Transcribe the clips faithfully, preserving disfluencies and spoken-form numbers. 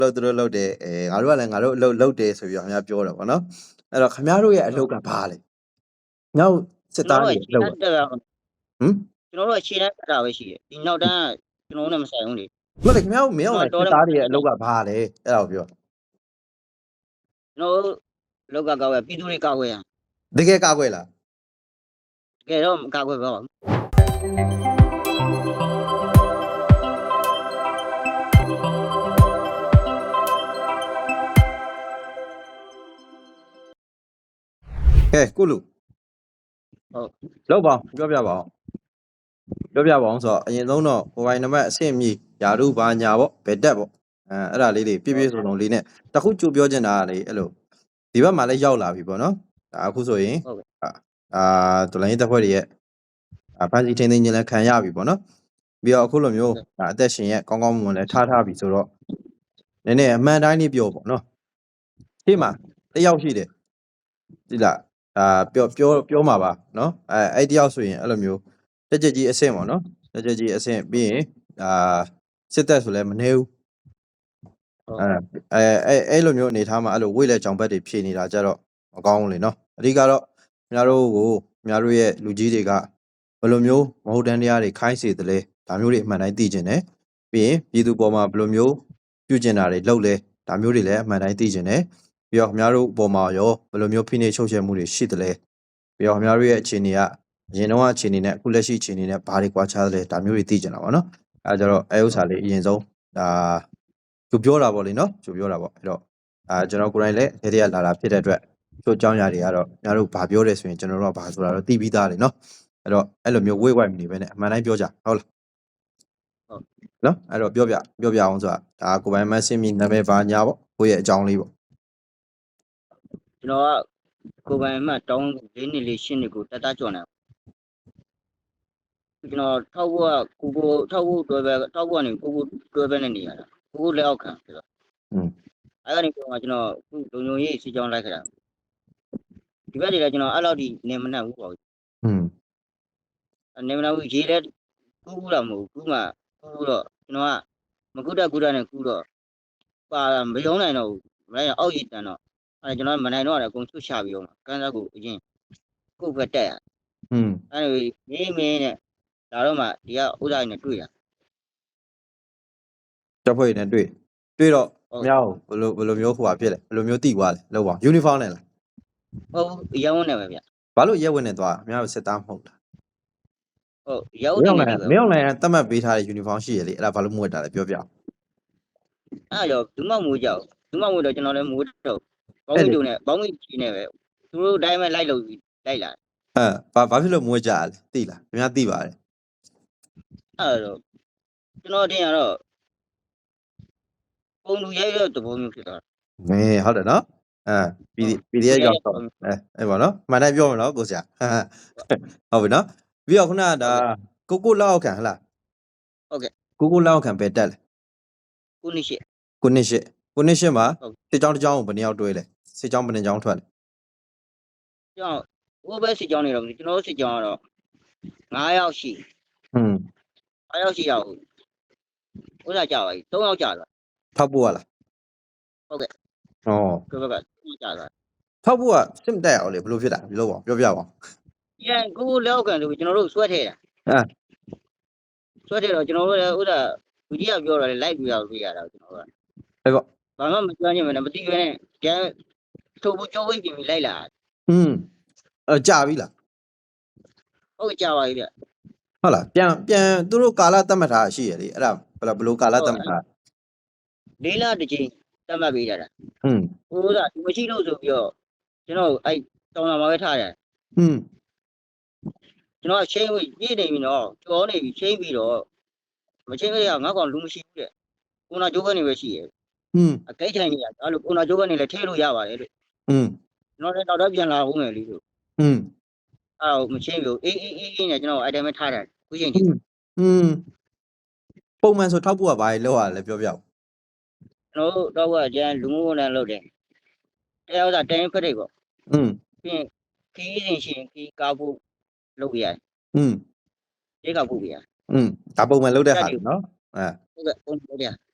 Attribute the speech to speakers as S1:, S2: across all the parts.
S1: လို့သူတို့လုပ်တယ်အဲငါတို့ကလည်းငါတို့အလုပ်လုပ်တယ်ဆိုပြီးတော့ခင်ဗျားပြောတယ်ပေါ့နော်အဲ့တော့ခင်ဗျားတို့ရဲ့အလုပ်ကဘာလဲငါ့စစ်သားတွေအလုပ်ဟမ်
S2: ကျွန်တော်တို့ရှေ့တန်းတက်တာပဲရှိတယ်ဒီနောက်တန်းကျွန်တော်တို့နဲ့မဆိုင်ဘူးလေ
S1: မဟုတ်လေခင်ဗျားတို့မင်းအောင်လည်းစစ်သားတွေရဲ့အလုပ်ကဘာလဲအဲ့ဒါကိုပြော
S2: ကျွန်တော်တို့လောက်ကကောက်ရပြည်သူတွေကောက်ရ
S1: တကယ်ကာကွယ်လား
S2: တကယ်တော့မကောက်ွယ်ပါဘူး
S1: ကဲကုလူ
S2: ဟုတ်
S1: လောက်ပါပြောပြပါအောင်ပြောပြပါအောင်ဆိုတော့အရင်ဆုံးတော့ဟိုဘိုင်နံပါတ်အဆင့်မြည်ယာရုဘာညာပေါ့ဘယ်တက်ပေါ့အဲအဲ့ဒါလေးတွေပြည့်ပြည့်စုံစုံလေးနဲ့တခုကြိုပြောချင်တာကလေအဲ့လိုဒီဘက်မှာလည်းရောက်လာပြီပေါ့နော်ဒါအခုဆိုရင်အာဒလိုင်းတက်ဖွဲ့တွေရဲ့ဖန်စီထင်းထင်းချင်းလည်းခံရပြီပေါ့နော်ပြီးတော့အခုလိုမျိုးဒါအသက်ရှင်ရဲ့ကောင်းကောင်းမွန်မွန်လည်းထားထားပြီဆိုတော့နည်းနည်းအမှန်တိုင်းလေးပြောပေါ့နော်ဒီမှာတယောက်ရှိတယ်ဒီလားအာပြောပြောပြောမှာပါနော်အဲအဲ့တယောက်ဆိုရင်အဲ့လိုမျိုးတက်ကြကြီးအဆင့်ပေါ့နော်တက်ကြကြီးအဆင့်ပြီးရင်အာစစ်သက်ဆိုလည်းမနေဘူးအဲအဲအဲ့အဲ့လိုမျိုးအနေထားမှာအဲ့လိုဝိတ်လက်ကြောင်ဘက်တွေဖြေနေတာကြတော့မကောင်းဘူးလေနော်အဓိကတော့ခင်ဗျားတို့ကိုခင်ဗျားတို့ရဲ့လူကြီးတွေကဘယ်လိုမျိုးမဟုတ်တန်းတရားတွေခိုင်းစေတယ်လဲဒါမျိုးတွေအမှန်တိုင်းသိကျင်တယ်ပြီးရင်ပြည်သူပေါ်မှာဘယ်လိုမျိုးပြုကျင်တာတွေလုပ်လဲဒါမျိုးတွေလည်းအမှန်တိုင်းသိကျင်တယ်ပြီးတော့ခင်ဗျားတို့ပေါ်မှာရောဘယ်လိုမျိုးဖိနှိပ်ချုပ်ချယ်မှုတွေရှိတယ်လဲပြီးတော့ခင်ဗျားတို့ရဲ့အခြေအနေကအရင်တော့အခြေအနေနဲ့အခုလက်ရှိအခြေအနေနဲ့ဘာတွေကွာခြားတယ်လဲဒါမျိုးတွေသိကျင်တာပါနော်အဲကြတော့အဲဥစ္စာလေးအရင်ဆုံးဒါသူပြောတာပေါ့လေနော်သူပြောတာပေါ့အဲ့တော့အာကျွန်တော်ကိုယ်တိုင်လည်းဒေသရလာတာဖြစ်တဲ့အတွက်ချို့အကြောင်းအရာတွေကတော့ခင်ဗျားတို့ဘာပြောတယ်ဆိုရင်ကျွန်တော်တို့ကဘာဆိုတာတော့သိပြီးသားလေနော်အဲ့တော့အဲ့လိုမျိုးဝိတ်ဝိုက်မနေဘဲနဲ့အမှန်တိုင်းပြောကြဟုတ်လားဟုတ်နော်အဲ့တော့ပြောပြပြောပြအောင်ဆိုတာဒါကိုယ်ပိုင်မဆင်းမီနာမည်ဘာညာပေါ့ကိုယ့်ရဲ့အကြောင်းလေးပေါ့
S2: ကျွန်တော်ကကိုယ်ပိုင်မှတောင်းလေးနှစ်လေးရှင်းနေကိုတတ်တကြော်နေကျွန်တော်ထောက်ဖို့ကကိုကိုထောက်ဖို့တွဲပဲထောက်ဖို့ကနေကိုကိုတွဲပဲနဲ့နေရတာကိုကိုလက်အောက်ခံဆိုတော့
S1: อืม
S2: အဲ့ကနေကျွန်တော်ကျွန်တော်ခုလုံုံရေးစီကြောင်းလိုက်ခတာဒီဘက်တွေကကျွန်တော်အဲ့လောက်ဒီနေမနှက်ဘူးပေါ့
S1: อืม
S2: နေမနှက်ဘူးရေးလဲကူးကူးတာမဟုတ်ဘူးကူးမှကူးတော့ကျွန်တော်ကမကုတ်တကူတာနဲ့ကူးတော့ပါမယုံနိုင်တော့ဘူးမနိုင်အောက်ရည်တန်တော့အဲ့ကျွန်တော်မနိုင်တော့လည်းအကုန်ချွတ်ချပြီးတော့ကန်းစားကိုအရင်ကိုယ်ပဲတက်ရ
S1: อืม
S2: အဲ့လိုမင်းမင်းနဲ့ဒါတော့မှဒီကဥဒ္ဒါရနဲ့တွေ့ရ
S1: တပ်ဖွဲ့နဲ့တွေ့တွေ့တော့မြောက်ဘယ်လိုဘယ်လိုမျိုးဟိုပါဖြစ်လဲဘယ်လိုမျိုးတိသွားလဲလောက်ပါယူနီဖောင်းနဲ့လား
S2: ဟုတ်ရဲဝန်းနဲ့ပဲဗျ
S1: ဘာလို့ရဲဝန်းနဲ့သွားမြောက်စစ်သားမဟုတ်လား
S2: ဟုတ်ရဲဝန်းနဲ့ပဲ
S1: မင်းအောင်လည်းတတ်မှတ်ပေးထားတဲ့ယူနီဖောင်းရှိရလေအဲ့ဒါဘာလို့မဝတ်တာလဲပြောပြအောင်
S2: အဲ့တော့ဒုမမိုးကြောက်ဒုမမိုးတော့ကျွန်တော်လည်းမိုးတော့ဘောင်းမီတို့နဲ့ဘောင်းမီကြီးနဲ့ပဲသူတို့တိုင်းပဲလိုက်လို့လိုက်လာ
S1: အဲဘာဘာဖြစ်လို့မဝတ်ကြလဲသိလားခင်ဗျားသိပါတယ်
S2: အဲ့တော့ကျွန်တော်တင်ရတော့ပုံလူရဲရဲတဘောမျိုးဖြစ်သွား
S1: မင်းဟုတ်တယ်နော်အဲပီပီဒီအက်ရောက်တော့အဲအဲ့ပါနော်မှန်တိုင်းပြောမယ်နော်ကိုဆရာဟုတ်ပြီနော်ပြီးတော့ခုနကဒါကိုကိုလောက်ခံဟလား
S2: ဟုတ်ကဲ့
S1: ကိုကိုလောက်ခံပဲတက်လဲ
S2: ကိုနှစ်ရှိ
S1: ကိုနှစ်ရှိကိုနှစ်ရှိမှာစစ်ကြောင်းတစ်ကြောင်းကိုဘယ်နှယောက်တွဲလဲစစ်ကြောင်းဘယ်နှကြောင်းထွက်လဲ
S2: ကျွန်တော်ဟိုဘက်စစ်ကြောင်းနေတော့ကျွန်တော်စစ်ကြောင်းကတော့ငါးယောက်ရှိ
S1: ဟွန်း
S2: ငါးယောက်ရှိရောက်ဥစ္စာကြပါပြီသုံးယောက်ကြသွား
S1: ထောက်ဖို့ရလား
S2: ဟုတ်ကဲ့
S1: ဩ
S2: ကိုဘက်ကကြသွား
S1: ထောက်ဖို့ကစစ်မတက်အောင်လေဘယ်လိုဖြစ်တာဒီလိုပေါ့ပြောပြပါဦး
S2: ရန်ကိုလောက်ကန်လို့ကျွန်တော်တို့ဆွဲထဲတာ
S1: အဲ
S2: ဆွဲထဲတော့ကျွန်တော်တို့လည်းဥစ္စာလူကြီးကပြောတော့လေလိုက်ပြရလို့ရတာကျွန်တော်တို့က
S1: အဲ့ပေါ့
S2: ဘာမှမကျွမ်းချင်မနဲ့မသိရနဲ့ကျန်ထုတ်ဖို့ကြောဝိတ်ပြင်ပြီးလိုက်လာ
S1: อืมအဲကြာပြီလား
S2: ဟုတ်ကြာပါပြီဗျ
S1: ဟုတ်လားပြန်ပြန်သူတို့ကာလတတ်မှတ်ထားရှိရလေအဲ့ဒါဘယ်လိုကာလတတ်မှတ်ထား
S2: လေးလတစ်ချိန်တတ်မှတ်ပေးကြတာ
S1: ဟွန်း
S2: ဟိုကဒီမရှိလို့ဆိုပြီးတော့ကျွန်တော်အဲ့တောင်းလာမှာပဲထားတယ်
S1: ဟွန်း
S2: ကျွန်တော်ချင်းပြီးပြည့်နေပြီနော်ကြောနေပြီချင်းပြီးတော့မချင်းရငါကောင်လူမရှိဘူးတဲ့ကိုနာကျိုးကနေပဲရှိရဲ့
S1: ဟွန်း
S2: အကိတ်ထိုင်နေတာအဲ့လိုကိုနာကျိုးကနေလည်းထဲလို့ရပါတယ်လို့
S1: ဟွန်း
S2: ကျွန်တော်လည်းတော့တော့ပြန်လာဦးမယ်လေလို့
S1: ဟွန်း
S2: အဲ့တော့မချင်းဘူးအေးအေးအေးနဲ့ကျွန်တော်အဲ့တိုင်းပဲထားတယ်ခုချိန်ကြီး
S1: ဟွန်းပုံမှန်ဆိုထောက်ဖို့ကဘာလဲလောက်ရလဲပြောပြအောင်
S2: ကျွန်တော်တို့တော့ကကျန်လူမှုဝန်ထမ်းလုပ်တယ်တရားဥစ္စာတိုင်းဖက်တွေပေါ့
S1: อืม
S2: ပြီးရင်ခီးစဉ်ရှင်ခီးကားဖို့လုပ်ရတယ်
S1: อืม
S2: ရေကောက်ဖို့ပြရ
S1: อืมဒါပုံမှန်လုပ်တဲ့ဟာနော်အဲ
S2: ဟုတ်ကဲ့ပုံလုပ်ရ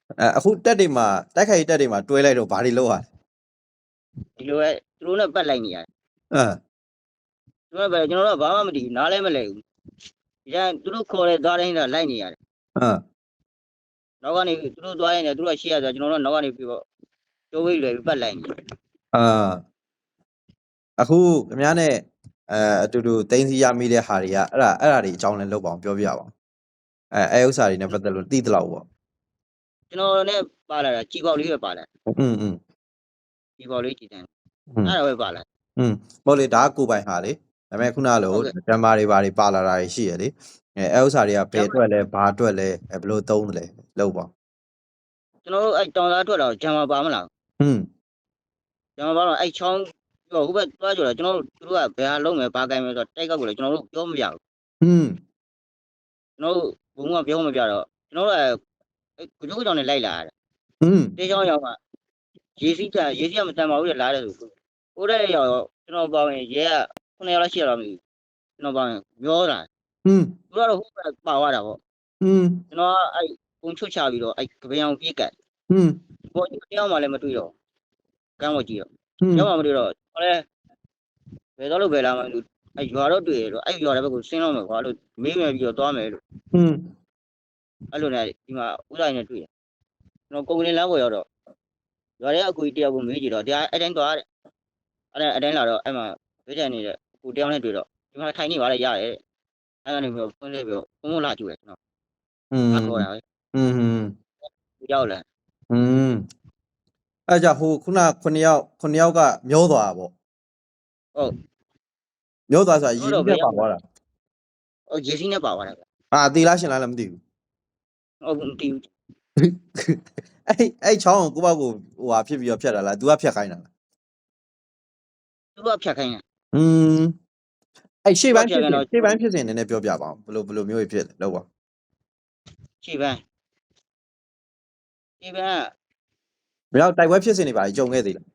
S1: အဲအခုတက်တွေမှာတိုက်ခိုက်တက်တွေမှာတွဲလိုက်တော့ဘာတွေလောက်ရလဲ
S2: ဒီလိုပဲသူတို့နဲ့ပတ်လိုက်နေရတယ်
S1: အဲ
S2: သူတို့ကပဲကျွန်တော်တို့ကဘာမှမတည်ဘူးနားလည်းမလဲဘူးဒီတိုင်းသူတို့ခေါ်တဲ့သွားတိုင်းတော့လိုက်နေရတယ်
S1: အဲ
S2: နောက်ကနေသူတို့သွားရင်လည်းသူတို့ကရှေ့ရဆိုကျွန်တော်တို့နောက်ကနေပြီးတော့ကျိုးဝိတ်လွယ်ပြီးပတ်လိုက်နေ
S1: အာအခုခင်ဗျားနဲ့အဲအတူတူတင်းစီရမိတဲ့ဟာတွေကအဲ့ဒါအဲ့ဒါတွေအကြောင်းလည်းလောက်ပါအောင်ပြောပြပါအောင်အဲအဲဥစ္စာတွေနဲ့ပတ်သက်လို့သိသလောက်ပေါ့
S2: ကျွန်တော်နဲ့ပါလာတာជីပေါက်လေးပဲပါလာ
S1: อืมอืม
S2: ជីပေါက်လေးကြည်တန်း
S1: อืม
S2: အဲ့ဒါပဲပါလာ
S1: อืมဟုတ်လေဒါကကိုယ်ပိုင်ဟာလေဒါပေမဲ့ခုနကလို့ဓမ္မတွေဘာတွေပါလာတာရှိရလေအဲအဲဥစ္စာတွေကဘယ်အတွက်လဲဘာအတွက်လဲအဲဘယ်လိုသုံးတယ်လဲလောက်ပါ
S2: ကျွန်တော်တို့အဲ့တောင်သားထွက်တော့ဂျံမပါမလား
S1: อืม
S2: ဂျံမပါတော့အဲ့ချောင်းဟိုဘက်သွားကြတော့ကျွန်တော်တို့သူတို့ကဘယ်ဟာလုံးမယ်ဘာကိုင်မယ်ဆိုတော့တိုက်ကောက်ကိုလည်းကျွန်တော်တို့ပြောမပြဘူး
S1: อืม
S2: ကျွန်တော်တို့ဘုံကပြောမပြတော့ကျွန်တော်တို့ကကိုကျိုးကြောင်နဲ့လိုက်လာရတယ်
S1: อืม
S2: တေးချောင်းရောက်မှရေစီးချရေစီးကမတန်ပါဘူးလေလားတဲ့ဆိုဟိုတဲ့ရောက်ကျွန်တော်ပါဝင်ရဲကခုနှစ်ယောက်လောက်ရှိရတော့မသိကျွန်တော်ပါဝင်ပြောတာ
S1: อืม
S2: သူကတော့ဟိုဘက်ပါသွားတာပေါ့
S1: อืม
S2: ကျွန်တော်ကအဲ့ပုံချွတ်ချပြီးတော့အဲ့ကပင်အောင်ပြေးကတ်
S1: อืม
S2: ဘောတရားမှလည်းမတွေ့တော့ကမ်းပေါ်ကြည့်တော့
S1: อืม
S2: ရောက်မှမတွေ့တော့ဟောလဲဘယ်တော့လို့ဘယ်လာမှလို့အဲ့ရွာတော့တွေ့ရတော့အဲ့ရွာတဲ့ဘက်ကိုဆင်းတော့မယ်ကွာလို့မေးမယ်ပြီးတော့သွားမယ်လို့
S1: อืม
S2: အဲ့လိုနဲ့ဒီမှာဥဒိုင်းနဲ့တွေ့တယ်ကျွန်တော်ကုန်ကလေးလမ်းပေါ်ရောက်တော့ရွာထဲအကူကြီးတယောက်ကိုမေးကြည့်တော့တရားအဲ့တိုင်းသွားတဲ့အဲ့ဒါအတိုင်းလာတော့အဲ့မှာဝိထန်နေတဲ့အကူတယောက်နဲ့တွေ့တော့ဒီမှာထိုင်နေပါလေရတယ်အဲ့ကနေပြီးတော့ဖွင့်လိုက်ပြီးတော့ဘုံဘုံလာကြည့်တယ်ကျွန်တော်
S1: อืม
S2: ငါခေါ်တာပဲ
S1: อืม
S2: ဒီရောက်လာ
S1: อืมအဲ့ကြဟိုခုနခုနှစ်ယောက်ခုနှစ်ယောက်ကမျောသွားတာပေါ့
S2: ဟုတ်
S1: မျောသွားဆိုတာရင်းနှီးနဲ့ပါသွားတာ
S2: ဟိုရေစီးနဲ့ပါသွားတာဗျ
S1: အာအသေးလားရှင်လားလည်းမသိဘူး
S2: ဟုတ်မတီးဘူး
S1: အဲ့အဲ့ချောင်းကိုကိုယ့်ဘက်ကိုဟိုဟာဖြစ်ပြီးတော့ဖြတ်တာလား तू ကဖြတ်ခိုင်းတာလား
S2: သူကဖြတ်ခိုင်းတာ
S1: อืมအဲ့ရှေ့ပိုင်းဖြစ်
S2: ဖြတ်ခိုင်း
S1: စဉ်
S2: တော့
S1: ရှေ့ပိုင်းဖြစ်စဉ်နည်းနည်းပြောပြပါအောင်ဘယ်လိုဘယ်လိုမျိုးဖြစ်လဲလောက်ပါ
S2: ခြေပန်းခြေပန်း
S1: မရောက်တိုက်ပွဲဖြစ်စဉ်တွေပါကြုံခဲ့သေးလား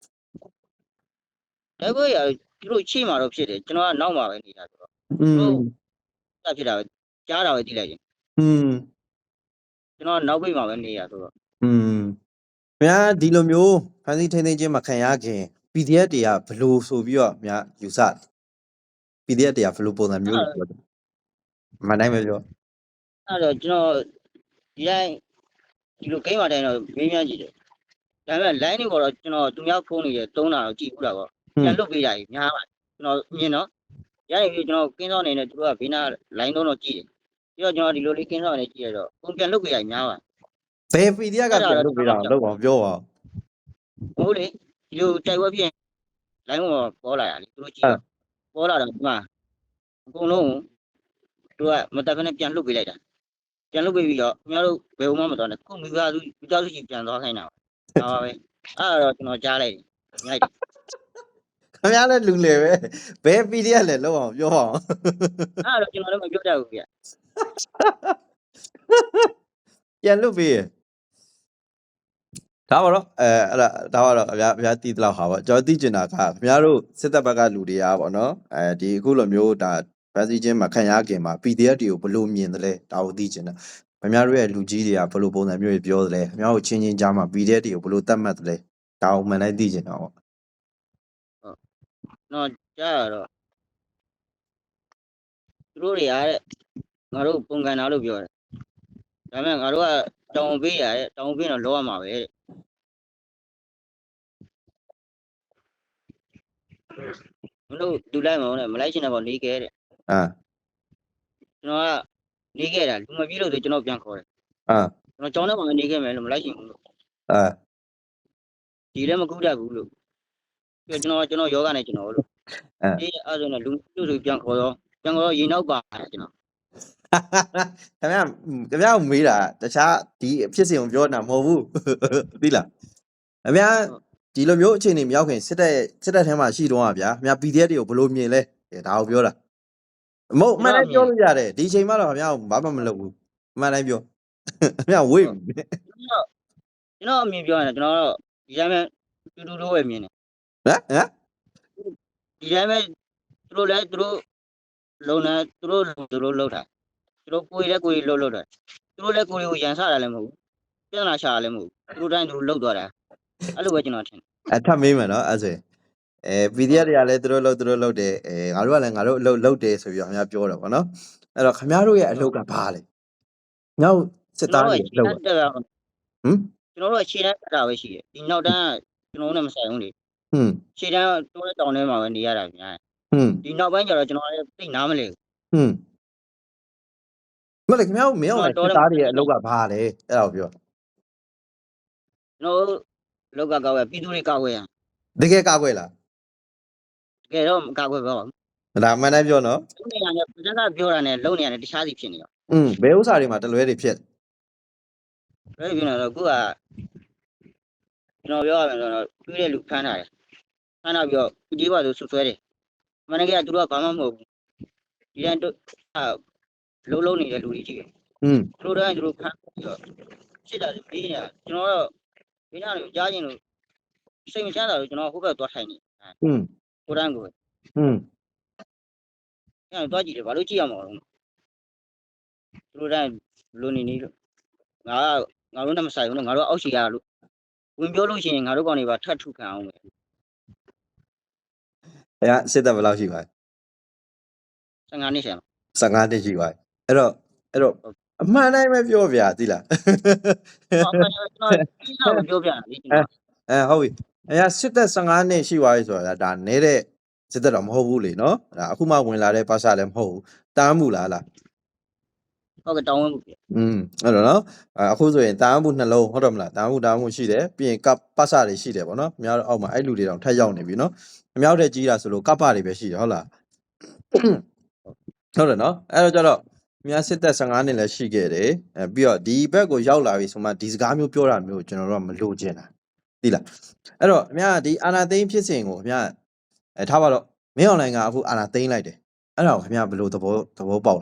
S2: လက်ဘွေရသူတို့ခြေမှာတော့ဖြစ်တယ်ကျွန်တော်ကနောက်မှာပဲနေတာဆိုတော့
S1: อืม
S2: တက်ဖြစ်တာပဲကြားတာပဲကြည့်လိုက်ရင်
S1: อืม
S2: ကျွန်တော်နောက်ပိတ်မှာပဲနေရဆိုတော့
S1: อืมများဒီလိုမျိုးဖန်စီထိန်းသိမ်းခြင်းမခံရခင် ပီ ဒီ အက်ဖ် တွေကဘယ်လိုဆိုပြီးတော့များယူဆ ပီ ဒီ အက်ဖ် တွေကဘယ်လိုပုံစံမျိုးလို့ပြောတယ်မနိုင်မပြော
S2: အဲ့တော့ကျွန်တော်ဒီတိုင်းဒီလိုဂိမ်းမှာတိုင်းတော့မေးမြန်းကြည့်တယ်ဒါပေမဲ့ line တွေပေါ်တော့ကျွန်တော်သူများဖုန်းနေတယ်သုံးတာတော့ကြည့်ဘူးတာပေါ့ပြန်လွတ်ပေးတာကြီးများပါကျွန်တော်မြင်တော့ရရင်ပြီးကျွန်တော်ကင်းစောင်းနေတယ်သူကဘေးနာ line တော့တော့ကြည့်တယ်ပြီးတော့ကျွန်တော်ဒီလိုလေးကင်းစောင်းနေကြည့်ရတော့ပုံပြန်လွတ်ပေးတာကြီးများပါ
S1: ဘယ် ပီ ဒီ အက်ဖ် ကပြန်လုပ်ပေးတာလောက်အောင်ပြောပါ
S2: ဟုတ်လေဒီလိုတိုက်ဝက်ပြင် line ပေါ်ပေါ်လာရလေသူတို့ကြည့်တော့ပေါ်လာတော့ဒီမှာအကုန်လုံးသူကမတက်ခနဲ့ပြန်လွတ်ပေးလိုက်တာပြန်လွတ်ပေးပြီးတော့ခင်ဗျားတို့ဘယ်ဘုံမှမတော်နဲ့ခုမိသားစုမိသားစုကြီးပြန်သွားခိုင်းတာပါပါပဲအဲ့တော့ကျွန်တော်ကြားလိုက်တယ်ညိုက်တယ်
S1: ခင်ဗျားလည်းလူလေပဲဘယ် ပီ ဒီ အက်ဖ် လဲလောက်အောင်ပြောပါအောင်
S2: အဲ့တော့ကျွန်တော်လည်းမပြောတတ်ဘူးဗျ
S1: ပြန်လွတ်ပေးရဒါပါတော့အဲအဲ့ဒါဒါပါတော့အများအများတီးတလောက်ဟာပေါ့ကျွန်တော်သိကျင်တာကခင်ဗျားတို့စစ်တပ်ဘက်ကလူတွေကပေါ့နော်အဲဒီအခုလိုမျိုးဒါဗန်စီချင်းမှာခံရခင်မှာ ပီ ဒီ အက်ဖ် တွေကိုဘယ်လိုမြင်တယ်လဲဒါကိုသိကျင်တာခင်ဗျားတို့ရဲ့လူကြီးတွေကဘယ်လိုပုံစံမျိုးတွေပြောတယ်လဲခင်ဗျားတို့ချင်းချင်းကြားမှာ ပီ ဒီ အက်ဖ် တွေကိုဘယ်လိုသတ်မှတ်တယ်လဲဒါကိုမှန်တိုင်းသိကျင်တာပေါ့
S2: တော့ကြားရတော့သူတို့တွေရတဲ့ငါတို့ပုံကန်တာလို့ပြောတယ်ဒါပေမဲ့ငါတို့ကတောင်ပေးရတဲ့တောင်ပေးတော့လောရမှာပဲတဲ့မလို့လူလိုက်မအောင်နဲ့မလိုက်ချင်တဲ့ဘောနေခဲ့တဲ့
S1: အာ
S2: ကျွန်တော်ကနေခဲ့တာလူမပြေလို့ဆိုကျွန်တော်ပြန်ခေါ်တယ်
S1: အာ
S2: ကျွန်တော်ကြောင်းထဲမှာနေခဲ့မယ်လို့မလိုက်ချင်ဘူးလို့
S1: အာ
S2: ဒီလည်းမကူတတ်ဘူးလို့ပြီးတော့ကျွန်တော်ကျွန်တော်ယောဂနဲ့ကျွန်တော်လို့အေးအဲ့ဒါဆိုတော့လူလူဆိုပြန်ခေါ်တော့ပြန်ခေါ်တော့ရေနောက်ပါကျွန်တော်
S1: ခင်ဗျာခင်ဗျာမေးတာတခြားဒီအဖြစ်စဉ်ကိုပြောတာမဟုတ်ဘူးသိလားခင်ဗျာဒီလိုမျိုးအခြေအနေမရောက်ခင်စစ်တပ်စစ်တပ်ထဲမှာရှိတော့อ่ะဗျာခင်ဗျာ ပီ ဒီ အက်ဖ် တွေကိုဘယ်လိုမြင်လဲဒါကိုပြောတာမဟုတ်မှန်တိုင်းပြောလို့ရတယ်ဒီအချိန်မှတော့ခင်ဗျာဘာမှမလုပ်ဘူးမှန်တိုင်းပြောခင်ဗျာဝေး
S2: ကျွန်တော်အမြင်ပြောရင်ကျွန်တော်တော့ဒီတိုင်းပဲတူတူလိုပဲမြင်တယ်
S1: ဟမ်ဟမ်
S2: ဒီတိုင်းပဲသူတို့လည်းသူတို့လုံနေသူတို့သူတို့လှုပ်တာသူတို့ကိုယ်လည်းကိုယ်လှုပ်လှုပ်တာသူတို့လည်းကိုယ်ကိုရန်ဆတာလည်းမဟုတ်ဘူးပြဿနာရှာလည်းမဟုတ်သူတို့တိုင်းသူတို့လှုပ်သွားတာအဲ့လိုပဲကျွန်တော်ထင်
S1: အထပ်မေးမယ်နော်အဲ့ဆိုရင်အဲ ပီ ဒီ အက်ဖ် တွေကလည်းသူတို့လှုပ်သူတို့လှုပ်တယ်အဲငါတို့ကလည်းငါတို့အလုပ်လှုပ်တယ်ဆိုပြီးတော့ခင်ဗျားပြောတယ်ပေါ့နော်အဲ့တော့ခင်ဗျားတို့ရဲ့အလုပ်ကဘာလဲငါ့စစ်သားတွေလှုပ်
S2: တက်တာ
S1: ဟမ်
S2: ကျွန်တော်တို့ခြေတန်းတက်တာပဲရှိတယ်ဒီနောက်တန်းကျွန်တော်တို့နဲ့မဆိုင်ဘူးလေ
S1: ဟွန်း
S2: ခြေတန်းတိုးတဲ့တောင်ထဲမှာပဲနေရတာဗျာ
S1: ဟွန်း
S2: ဒီနောက်ပိုင်းကျတော့ကျွန်တော်လည်းသိနားမလဲ
S1: ဟွန်းမလေးခင်ဗျားတို့မင်းအောင်စစ်သားတွေရဲ့အလုပ်ကဘာလဲအဲ့ဒါကိုပြော
S2: ကျွန်တော်တို့လောက်ကကောက်ရပြည်သူတွေကောက်ရ
S1: တကယ်ကောက်ွယ်လား
S2: တကယ်တော့မကောက်ရပါဘူး
S1: ဒါမှန်တယ်ပြောနော်
S2: လုံနေရတယ်ပြည်ကပြောတာနဲ့လုံနေရတယ်တခြားစီဖြစ်နေရော
S1: อืมဘယ်ဥစ္စာတွေမှာတလွဲတွေဖြစ်
S2: ဘယ်ဖြစ်နေတော့ခုကကျွန်တော်ပြောရမယ်ဆိုတော့တွေးတဲ့လူဖမ်းတာတယ်ဖမ်းတော့ပြီးတော့ဒီပါဆိုဆွဆွဲတယ်မနေ့ကသူတို့ကဘာမှမဟုတ်ဘူးဒီတိုင်းတို့အလုံးလုံးနေတဲ့လူတွေကြီးတယ်
S1: อืม
S2: သူတို့တိုင်းသူတို့ဖမ်းပြီးတော့စစ်တာပြီးနေတာကျွန်တော်တော့ဒီနေ့ကကြားချင်းလို့စိတ်မချမ်းသာလို့ကျွန်တော်ဟိုဘက်သွားထိုင်နေ
S1: อืม
S2: ကိုတန်းကို
S1: อืม
S2: အဲ့တော့သွားကြည့်တယ်ဘာလို့ကြည့်ရမှာလဲသူတို့တိုင်းလူနေနေလို့ငါငါတို့နဲ့မဆိုင်ဘူးလို့ငါတို့အောက်ရှိရလို့ဝင်ပြောလို့ရှိရင်ငါတို့ကောင်တွေပါထတ်ထုခံအောင်ပဲ
S1: အဲ့ဒါစစ်တပ်ဘယ်လောက်ရှိပါလဲ
S2: ဆယ်ငါနှစ်ဆယ်မှာ
S1: ဆယ်ငါနှစ်ရှိပါပြီအဲ့တော့အဲ့တော့အမှန်တိုင်းပဲပြောဗျာသိလား
S2: ဟောကျွန်တော်ကျွန်တော်ပြောပြတာလေကျွန်တော်
S1: အဲဟုတ်ပြီအဲ့ဒါစစ်တပ်ဆယ်ငါနှစ်ရှိပါပြီဆိုတာဒါနဲတဲ့စစ်တပ်တော့မဟုတ်ဘူးလေနော်ဒါအခုမှဝင်လာတဲ့ပါစာလည်းမဟုတ်ဘူးတားမှုလားလား
S2: ဟုတ်ကဲ့တောင်းဝင်မှု
S1: อืมအဲ့တော့နော်အခုဆိုရင်တားမှုနှလုံးဟုတ်တယ်မလားတားမှုတားမှုရှိတယ်ပြီးရင်ကပ်ပတ်စာတွေရှိတယ်ပေါ့နော်အများတော့အောက်မှာအဲ့လူတွေတောင်ထက်ရောက်နေပြီနော်အများတဲ့ကြီးတာဆိုလို့ကပ်ပတွေပဲရှိတယ်ဟုတ်လားဟုတ်တယ်နော်အဲ့တော့ကျတော့အများစစ်သက်ဆယ်ငါနှစ်လည်းရှိခဲ့တယ်အဲပြီးတော့ဒီဘက်ကိုရောက်လာပြီဆိုမှဒီစကားမျိုးပြောတာမျိုးကျွန်တော်တို့ကမလိုချင်တာသိလားအဲ့တော့အများဒီအာနာသိန်းဖြစ်စဉ်ကိုအများအဲထားပါတော့မင်းအွန်လိုင်းကအခုအာနာသိန်းလိုက်တယ်အဲ့ဒါကိုခင်ဗျားဘယ်လိုသဘောသဘောပေါက်လဲ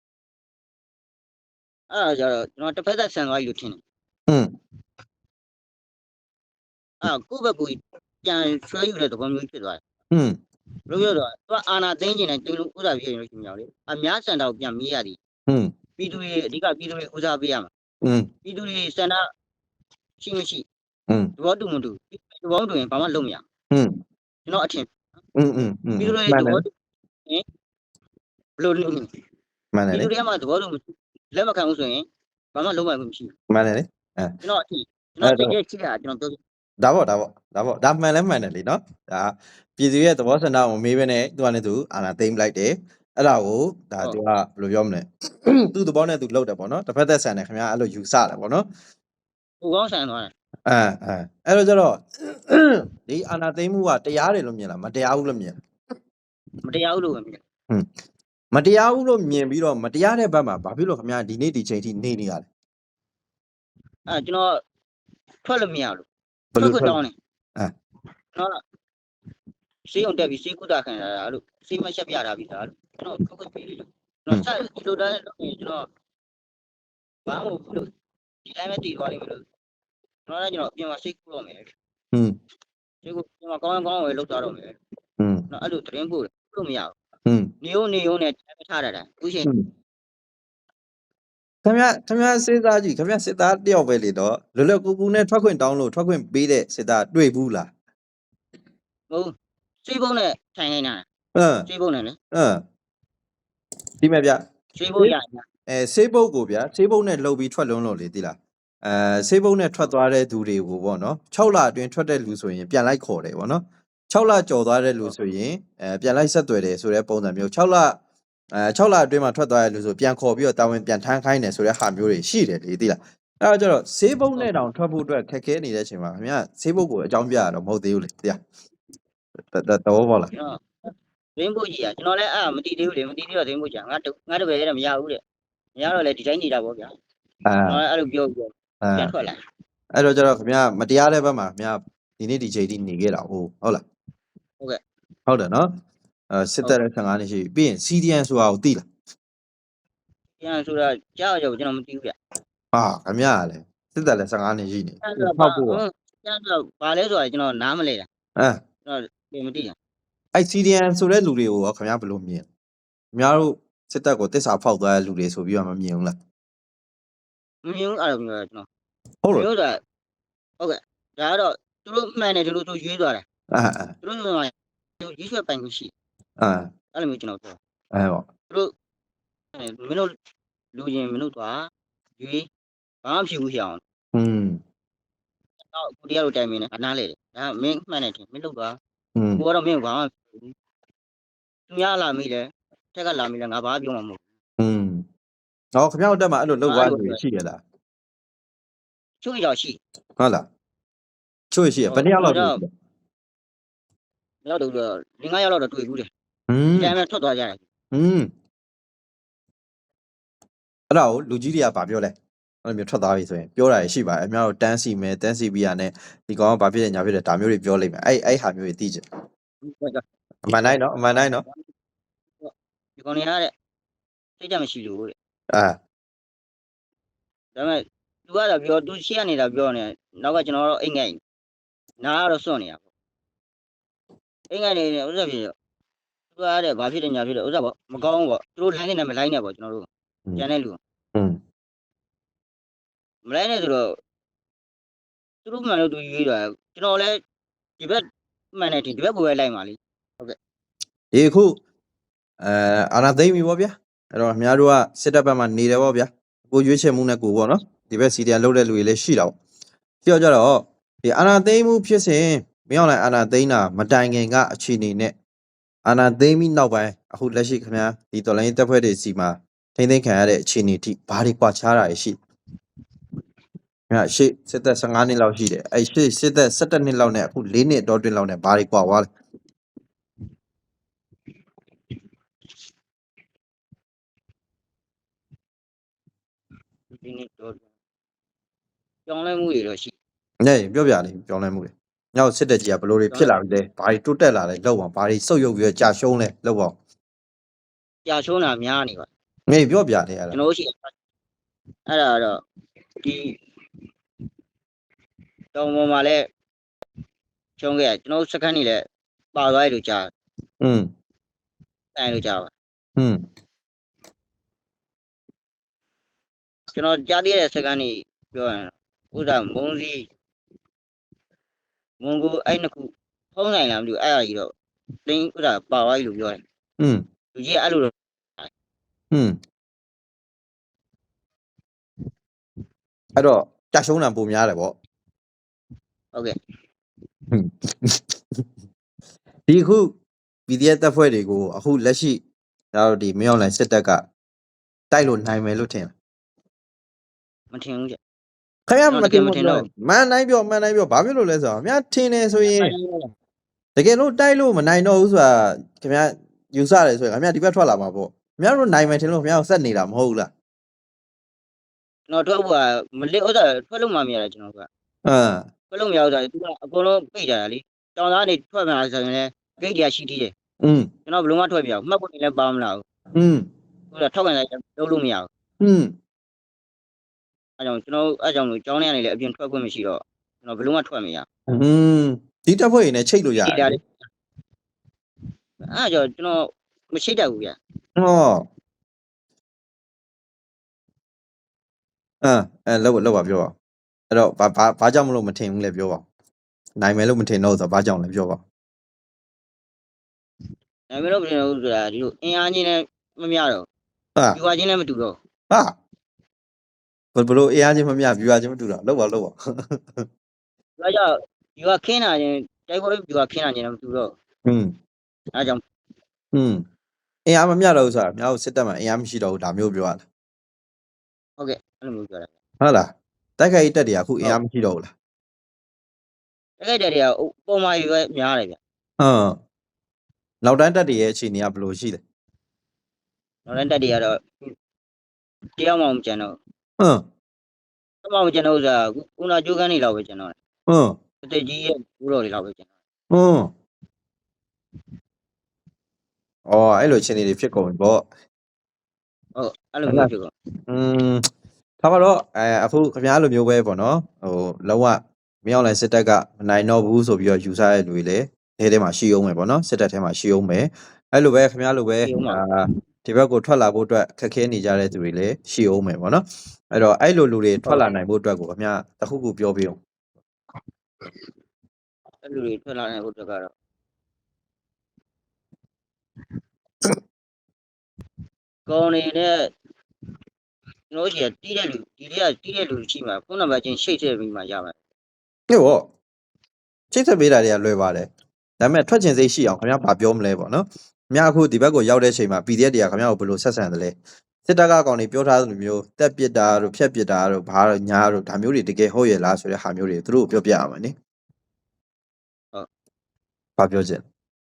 S2: အဲ့ဒါကြတော့ကျွန်တော်တစ်ဖက်သက်ဆန်သွားပြီလို့ထင်တယ်
S1: อืม
S2: အဲ့ကိုယ့်ဘက်ကိုပြန်ဆွဲယူတဲ့သဘောမျိုးဖြစ်သွားတယ်
S1: อืม
S2: ဘယ်လိုပြောတော့သူကအာနာသိန်းကျင်တဲ့တူလူဥစားဖြစ်နေလို့ရှိမြောက်လေအများစံတော်ပြန်မေးရသည်
S1: อืม
S2: ပြည်သူတွေအဓိကပြည်သူတွေဥစားပေးရမှာ
S1: อืม
S2: ပြည်သူတွေစံတော်ရှိမရှိ
S1: อืม
S2: သဘောတူမတူသဘောတူရင်ဘာမှလုပ်မရ
S1: อืม
S2: ကျွန်တော်အထင်
S1: อืมอืมอืม
S2: ပြည်သူတွေ
S1: မှန်
S2: သ
S1: တယ်
S2: ဘောတူရင်ဘယ်လိုလုပ်
S1: မှန်တယ်
S2: ပြည်
S1: လေ
S2: သူတွေကမှသဘောတူလက်မခံဘူးဆိုရင်ဘာမှလုပ်မှမရှိဘူး
S1: မှန်တယ်လေအဲ
S2: ကျွန်တော်အထင်ကျွန်တော်တကယ်ကြည့်တာကျွန်တော်ပြော
S1: ဒါပေါ့ဒါပေါ့ဒါပေါ့ဒါမှန်လဲမှန်တယ်လေနော်ဒါပြည်သူရဲ့သဘောဆန္ဒကိုမေးပဲနဲ့သူကလည်းသူအာနာသိမ့်လိုက်တယ်အဲ့ဒါကိုဒါသူကဘယ်လိုပြောမလဲသူ့သဘောနဲ့သူလုပ်တယ်ပေါ့နော်တစ်ဖက်သက်ဆန်တယ်ခင်ဗျာအဲ့လိုယူဆတယ်ပေါ့နော်
S2: ဟိုကောင်းဆန်သွားတယ်
S1: အဲအဲအဲ့တော့ကျတော့ဒီအာနာသိမ့်မှုကတရားတယ်လို့မြင်လားမတရားဘူးလို့မြင်လား
S2: မတရားဘူးလို့ပဲမြင်
S1: မတရားဘူးလို့မြင်ပြီးတော့မတရားတဲ့ဘက်မှာဘာဖြစ်လို့ခင်ဗျာဒီနေ့ဒီချိန်ထိနေနေရလဲ
S2: အဲကျွန်တော်ထွက်လို့မရလို့
S1: ဘယ်လို
S2: ခွ
S1: ထွက်
S2: တောင်းတယ်
S1: အဲ
S2: ကျွန်တော်စေးအောင်တက်ပြီးစေးကုတာခံရတာလို့စေးမချက်ပြတာပြီးသားလို့ကျွန်တော်ခွတ်ပေးလို့ကျွန်တော်ဆက်ဒီလိုတိုင်းလုပ်ရင်ကျွန်တော်ဘာမှမဟုတ်လို့ဒီတိုင်းပဲတည်သွားလိမ့်မယ်လို့ကျွန်တော်လည်းကျွန်တော်အပြင်မှာစေးကုတော့မယ်
S1: อืม
S2: စေးကုကျွန်တော်ကောင်းကောင်းဝယ်လုပ်သွားတော့မယ်
S1: อืม
S2: ကျွန်တော်အဲ့လိုသတင်းပို့လို့မရဘူး
S1: อืม
S2: နေုံနေုံနဲ့တိုင်းမထားတာတိုင်းအခုချိန်
S1: ခင်ဗျာခင်ဗျာစစ်သားကြီးခင်ဗျာစစ်သားတယောက်ပဲလေတော့လွယ်လွယ်ကူကူနဲ့ထွက်ခွင့်တောင်းလို့ထွက်ခွင့်ပေးတဲ့စစ်သားတွေ့ဘူးလား
S2: ဟုတ်စေးပုံးနဲ့ထိုင်နေတာ
S1: အင်း
S2: စေးပုံးနဲ့လေ
S1: အင်းဒီမဲ့ဗျ
S2: စေးပုံးရရ
S1: အဲဆေးပုတ်ကိုဗျာဆေးပုတ်နဲ့လှုပ်ပြီးထွက်လွန်းလို့လေတိလားအဲဆေးပုတ်နဲ့ထွက်သွားတဲ့သူတွေကိုပေါ့နော်၆လအတွင်းထွက်တဲ့လူဆိုရင်ပြန်လိုက်ခေါ်တယ်ပေါ့နော်၆လကြော်သွားတဲ့လူဆိုရင်အဲပြန်လိုက်ဆက်သွယ်တယ်ဆိုတဲ့ပုံစံမျိုး၆လအဲ၆လအတွင်းမှာထွက်သွားတဲ့လူဆိုပြန်ခေါ်ပြီးတော့တာဝန်ပြန်ထမ်းခိုင်းတယ်ဆိုတဲ့ဟာမျိုးတွေရှိတယ်လေတိလားအဲ့တော့ကျတော့ဆေးပုတ်နဲ့တောင်ထွက်ဖို့အတွက်ခက်ခဲနေတဲ့အချိန်မှာခင်ဗျာဆေးပုတ်ကိုအကြောင်းပြရတော့မဟုတ်သေးဘူးလေတိလားတော်ပေါ့လား
S2: ကျွန်တော်ရင်းဖို့ကြီးอ่ะကျွန်တော်လည်းအဲ့မတီးသေးဘူးလေမတီးသေးတော့ရင်းဖို့ကြီးငါငါတပည့်လည်းမရဘူးတဲ့မရတော့လေဒီတိုင်းနေတာပေါ့ဗျာ
S1: အာ
S2: ကျွန်တော်လည်းအဲ့လိုပြောပြော
S1: အာ
S2: ပြန်ထွက်လာ
S1: အဲ့တော့ကျတော့ခင်ဗျာမတရားတဲ့ဘက်မှာခင်ဗျာဒီနေ့ဒီချိန်ထိနေခဲ့တာဟုတ်ဟုတ်လား
S2: ဟုတ်ကဲ့
S1: ဟုတ်တယ်နော်အဲစစ်တပ်ရဲ့ဆယ်ငါနှစ်ရှိပြီပြီးရင် စီ ဒီ အန် ဆိုတာကိုသိလား
S2: ပြန်ဆိုတာကြောက်ကြောက်ကျွန်တော်မတီးဘူးဗျ
S1: ဟာခင်ဗျာလည်းစစ်တပ်လည်းဆယ်ငါနှစ်ရှိနေ
S2: အဲ့တော့
S1: ဖောက်ဖို့
S2: ပြန်တော့ဘာလဲဆိုတာကျွန်တော်နားမလဲတာ
S1: အဲ
S2: ကျွန်တော်မတီးတာ
S1: အဲ့ စီ ဒီ အန် ဆိုတဲ့လူတွေကိုရောခင်ဗျာဘယ်လိုမြင်ခင်ဗျားတို့စစ်တပ်ကိုတစ္ဆာဖောက်သွားတဲ့လူတွေဆိုပြီးတော့မမြင်ဘူးလား
S2: မမြင်ဘူးအဲ့လိုမျိုးကျွန်တော်
S1: ဟုတ်
S2: မ
S1: လို့
S2: င်းတို့ကဟုတ်ကဲ့ဒါကတော့သူတို့မှန်တယ်သူတို့သူရွေးသွားတယ်
S1: အာအာ
S2: သူတို့ကသူရွေးဆွဲပိုင်ခွင့်ရှိ
S1: အာ
S2: အဲ့လိုမျိုးကျွန်တော်ပြော
S1: အဲပေါ့
S2: သူတို့မင်းတို့လူချင်းမင်းတို့သွားရွေးဘာမှဖြစ်ဘူးရအောင်
S1: อืม
S2: တော့ကိုတရားတို့တိုင်မင်းနဲ့အနားလေတယ်ဒါမင်းမှန်တယ်ထင်မင်းလုပ်သွား
S1: อืม
S2: ကိုကတော့မင်းဘာမှသူများလာမိတယ်တက်ကလာမိတယ်ငါဘာပြောမှာမဟုတ်
S1: อืมဟောခင်ဗျားတို့တက်မှာအဲ့လိုလုပ်သွားနေရှိရလား
S2: ချို့ရောက်ရှိ
S1: ဟုတ်လားချို့ရှိရဘယ်နှစ်ယောက်လောက်တွေ့လဲ
S2: တော့တော့လင်းငါးယောက်တော့တွေ့ဘူးတယ်
S1: อืม
S2: ဒီတိုင်းပဲထွက်သွားကြတယ်
S1: อืมအဲ့ဒါကိုလူကြီးတွေကဗာပြောလဲအဲ့လိုမျိုးထွက်သွားပြီဆိုရင်ပြောတာရှိပါတယ်အများတို့တန်းစီမယ်တန်းစီပြီးရနဲ့ဒီကောင်ကဘာဖြစ်လဲညာဖြစ်လဲဒါမျိုးတွေပြောလိမ့်မယ်အဲ့အဲ့ဟာမျိုးတွေသိကြအမှန်တိုင်းနော်အမှန်တိုင်းနော်
S2: ဒီကောင်နေရတဲ့စိတ်ကြမရှိလို့တဲ့
S1: အာ
S2: ဒါပေမဲ့သူကတော့ပြောသူရှေ့နေတာပြောနေနောက်ကကျွန်တော်တော့အိမ်ငိုက်နားကတော့စွန့်နေတာပေါ့အိမ်ငိုက်နေနေဥစ္စာဖြစ်ရောသူကတဲ့ဘာဖြစ်တယ်ညာဖြစ်တယ်ဥစ္စာပေါ့မကောင်းဘူးပေါ့သူတို့လိုင်းနေတယ်မလိုင်းနဲ့ပေါ့ကျွန်တော်တို့ကျန်တဲ့လူ
S1: อืม
S2: မလိုင်းနဲ့ဆိုတော့သူတို့မှန်လို့သူရွေးတာကျွန်တော်လည်းဒီဘက်မှန်တယ်ဒီဘက်ကိုပဲလိုက်ပါလိ
S1: ဒီခုအဲအာနာသိမ့်ပြီဗောဗျာအဲ့တော့အများတို့ကစစ်တပ်ဘက်မှာနေတယ်ဗောဗျာကိုရွေးချယ်မှုနဲ့ကိုဗောနော်ဒီဘက်စီဒီအန်လုပ်တဲ့လူတွေလည်းရှိတာဗောပြောကြတော့ဒီအာနာသိမ့်မှုဖြစ်စဉ်မင်းအောင်လိုက်အာနာသိမ့်တာမတိုင်ခင်ကအခြေအနေနဲ့အာနာသိမ့်ပြီးနောက်ပိုင်းအခုလက်ရှိခင်ဗျာဒီတော်လိုင်းတပ်ဖွဲ့တွေစီမှာထိမ့်သိမ့်ခံရတဲ့အခြေအနေထိဘာတွေကွာခြားတာရှိအဲ့ရှေ့စစ်သက်၁၅နှစ်လောက်ရှိတယ်အဲ့ရှေ့စစ်သက်၁၁နှစ်လောက်နဲ့အခု၄နှစ်တော့တွင်းလောက်နဲ့ဘာတွေကွာသွားလဲ
S2: ဒီနေ့တော့ကြောင်းလဲမှုတွေတော့ရှိ
S1: ။နေပြောပြလေပြောင်းလဲမှုတွေ။ညောက်စစ်တက်ကြီးကဘလို့တွေဖြစ်လာပြီလဲ။ဘာတွေတိုးတက်လာလဲလောက်အောင်ဘာတွေစုပ်ယုပ်ပြီးကြာရှုံးလဲလောက်အောင်
S2: ကြာချုံးတာများနေပါ
S1: ။နေပြောပြလေအဲ့ဒါ
S2: ကျွန်တော်တို့ရှိအဲ့ဒါတော့ဒီတောင်ပေါ်မှာလဲချုံးခဲ့ကျွန်တော်စကန်နေလဲပါသွားရလို့ကြာ
S1: ။อืม
S2: တိုင်လို့ကြာပါ
S1: อืม
S2: ကျွန်တော်ကြားသေးတဲ့စကန်နေပြောရင်ဥစ္စာမုံစီမုံကိုအဲ့နှစ်ခုဖုံးနိုင်လားမသိဘူးအဲ့ဒါကြီးတော့တင်းဥစ္စာပါသွားပြီလို့ပြောတယ်
S1: อืม
S2: လူကြီးအဲ့လိုတော့
S1: อืมအဲ့တော့ကြာရှုံးတာပုံများတယ်ဗော
S2: ဟုတ်ကဲ့
S1: ။ဒီခု ပီ ဒီ အက်ဖ် တပ်ဖွဲ့တွေကိုအခုလက်ရှိဒါတို့ဒီမင်းအောင်လိုင်းစစ်တပ်ကတိုက်လို့နိုင်မယ်လို့ထင်လား
S2: မထင်ဘူးကြ
S1: ။ခင်ဗျားမတင်ဘူးပြောမန်တိုင်းပြောမန်တိုင်းပြောဘာဖြစ်လို့လဲဆိုတော့ခင်ဗျားထင်နေဆိုရင်တကယ်လို့တိုက်လို့မနိုင်တော့ဘူးဆိုတာခင်ဗျားယူဆတယ်ဆိုရင်ခင်ဗျားဒီဘက်ထွက်လာမှာပေါ့။ခင်ဗျားတို့နိုင်မယ်ထင်လို့ခင်ဗျားကိုစက်နေတာမဟုတ်ဘူးလား
S2: ကျွန်တော်ထွက်ဖို့ကမလစ်ဥစ္စာထွက်လို့မှမရတာကျွန်တော်က
S1: ။အင်း
S2: ထွက်လို့မရဘူးဆိုတော့သူကအကုန်လုံးပိတ်ကြတာလေတောင်သားနေထွက်မှလာဆိုရင်လည်းဂိတ်ကြီးရှိသေးတယ်
S1: อืม
S2: ကျွန်တော်ဘလုံးမထွက်ပြအောင်မှတ်ဖို့နေလည်းပါမလားဘူး
S1: อืม
S2: ဟိုတော့ထောက်ကန်လိုက်လုပ်လို့မရဘူး
S1: อืม
S2: အဲကြောင့်ကျွန်တော်အဲကြောင့်လို့ကျောင်းထဲကနေလည်းအပြင်ထွက်ခွင့်မရှိတော့ကျွန်တော်ဘလုံးမထွက်မရ
S1: อืมဒီတပ်ဖွဲ့ရင်းနဲ့ချိတ်လို့ရတ
S2: ဒီ
S1: ယ်
S2: တာလေအဲကြောင့်ကျွန်တော်မရှိတတ်ဘူးဗျ
S1: ဟောအင်းအဲလောက်လောက်ပါပြောပါအဲ့တော့ဘာဘာဘာကြောင့်မလို့မထင်ဘူးလဲပြောပါနိုင်မယ်လို့မထင်တော့ဆိုတော့ဘာကြောင့်လဲပြောပါ
S2: ဒါပေမဲ့လို့ပြင်လို့ဆိုတာဒီလိုအင်အားချင်းနဲ့မမျှတော့
S1: ဟာ
S2: ဒီွာချင်းလည်းမတူတော့
S1: ဟာဘယ်ဘလို့အေးအားချင်းမမြပြူအားချင်းမတူတာလောက်ပါလောက်ပါ
S2: ဒါကြောင့်ဒီွာခင်းတာချင်းတိုက်ပွဲဒီွာခင်းတာချင်းလည်းမတူတော့
S1: อืม
S2: အဲကြောင့်
S1: อืมအေးအားမမြတော့ဘူးဆိုတာမြောက်စစ်တပ်မှာအေးအားမရှိတော့ဘူးဒါမျိုးပြောရတာ
S2: ဟုတ်ကဲ့အဲ့လိုမျိုးပြောတာ
S1: ဟုတ်လားတိုက်ခိုက်တက်တွေကအခုအေးအားမရှိတော့ဘူးလား
S2: တကယ်တည်းကပုံမှန်ရွယ်များတယ်ဗျ
S1: ဟမ်နောက်တန်းတက်တွေရဲ့အခြေအနေကဘယ်လိုရှိလဲ
S2: နောက်တိုင်းတက်တွေကတော့တရားမှမကျန်တော့
S1: ဟမ်
S2: တရားမှမကျန်တော့ဆိုတာကုနာကျိုးကန်းနေလောက်ပဲကျန်တော့
S1: ဟမ်
S2: အသက်ကြီးရဲ့ဘူးတော်တွေလောက်ပဲကျန်တော့
S1: ဟမ်အော်အဲ့လိုအခြေအနေတွေဖြစ်ကုန်ပြီပေါ့
S2: ဟုတ်အဲ့လိုမျိုးဖြစ်ကုန်
S1: อืมဒါမှတော့အဲအခုခင်ဗျားလိုမျိုးပဲပေါ့နော်ဟိုလောကမင်းအောင်လိုက်စစ်တပ်ကမနိုင်တော့ဘူးဆိုပြီးတော့ယူဆရတဲ့လူတွေလည်းထဲထဲမှာရှိအောင်မယ်ပေါ့နော်စစ်တပ်ထဲမှာရှိအောင်မယ်အဲ့လိုပဲခင်ဗျားလိုပဲအာဒီဘက်ကိုထွက်လာဖို့အတွက်ခက်ခဲနေကြတဲ့သူတွေလည်းရှိအောင်မယ်ပေါ့နော်အဲ့တော့အဲ့လိုလူတွေထွက်လာနိုင်ဖို့အတွက်ကိုအများတခုခုပြောပြအောင်
S2: အဲ့လူတွေထွက်လာနေဖို့အတွက်ကတော့ကောင်းနေတဲ့ကျွန်တော်ကြီးတီးတဲ့လူဒီတွေကတီးတဲ့လူရှိမှာဖုန်းနံပါတ်ချင်းရှိတ်ထည့်ပြီးမှရမှာ
S1: ဟုတ်ပေါ့ချိတ်ဆက်ပေးတာတွေကလွယ်ပါတယ်ဒါပေမဲ့ထွက်ချင်စိတ်ရှိအောင်ခင်ဗျားဘာပြောမလဲပေါ့နော်ခင်ဗျားအခုဒီဘက်ကိုရောက်တဲ့ချိန်မှာ P D F တွေကခင်ဗျားကိုဘယ်လိုဆက်ဆံတယ်လဲစစ်တပ်ကကောင်တွေပြောထားသလိုမျိုးတက်ပစ်တာတို့ဖြက်ပစ်တာတို့ဘာတို့ညာတို့ဒါမျိုးတွေတကယ်ဟုတ်ရဲ့လားဆိုတဲ့ဟာမျိုးတွေသူတို့ပြောပြရမှာနိဟုတ်ဘာပြောချင်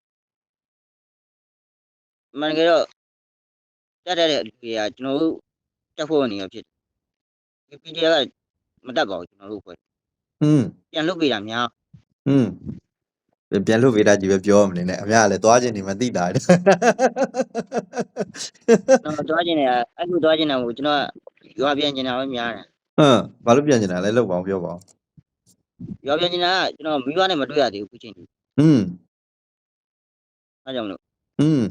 S2: မှန်ကြတော့တက်တဲ့လူတွေကကျွန်တော်တို့တက်ဖို့နေရဖြစ်တယ် P D F ကမတက်ပါဘူးကျွန်တော်တို့ဖွဲ့
S1: อืม
S2: ပြန်လုပ်ပေးတာများ
S1: อืมပြန်လို့ဗေဒကြီးပဲပြောမနေနဲ့အများကလည်းသွားခြင်းနေမသိတာတယ်
S2: တော့သွားခြင်းတွေကအဲ့လိုသွားခြင်းတွေကိုကျွန်တော်ရွာပြန်ကျင်တာပဲများတယ်
S1: ဟမ်ဘာလို့ပြန်နေတာလဲလောက်ပါအောင်ပြောပါအောင်
S2: ရွာပြန်ကျင်တာကကျွန်တော်မိဘနဲ့မတွေ့ရသေးဘူးခုချိန်ထိ
S1: อืม
S2: အားကြောင့်မလို့
S1: อืม